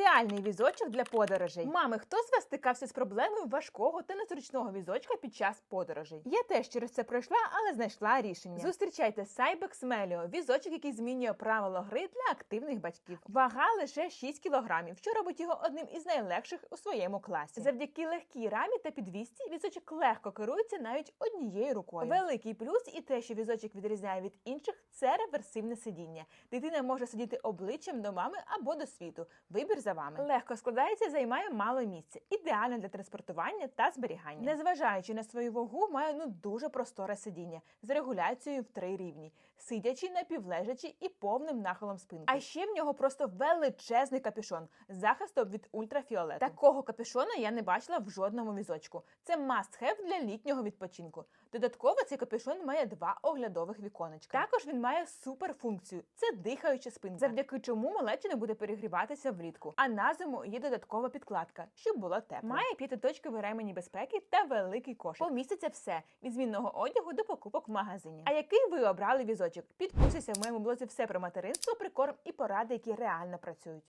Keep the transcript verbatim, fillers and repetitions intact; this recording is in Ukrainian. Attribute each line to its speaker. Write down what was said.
Speaker 1: Ідеальний візочок для подорожей. Мами, хто з вас стикався з проблемою важкого та незручного візочка під час подорожей? Я теж через це пройшла, але знайшла рішення. Зустрічайте Cybex Melio – візочок, який змінює правила гри для активних батьків. Вага лише шість кілограмів, що робить його одним із найлегших у своєму класі. Завдяки легкій рамі та підвісці візочок легко керується навіть однією рукою. Великий плюс і те, що візочок відрізняє від інших – це реверсивне сидіння. Дитина може сидіти обличчям до мами або до світу. Вибір за вами. Легко складається і займає мало місця. Ідеально для транспортування та зберігання. Незважаючи на свою вагу, має ну дуже просторе сидіння з регуляцією в три рівні. Сидячий, напівлежачий і повним нахилом спинки. А ще в нього просто величезний капюшон з захистом від ультрафіолету. Такого капюшона я не бачила в жодному візочку. Це must-have для літнього відпочинку. Додатково цей капюшон має два оглядових віконечка. Також він має суперфункцію – це дихаюча спинка, завдяки чому малеча не буде перегріватися влітку. А на зиму є додаткова підкладка, щоб було тепло. Має п'ятиточкові ремені безпеки та великий кошик. Поміститься все – від змінного одягу до покупок в магазині. А який ви обрали візочок? Підписуйся в моєму блозі все про материнство, прикорм і поради, які реально працюють.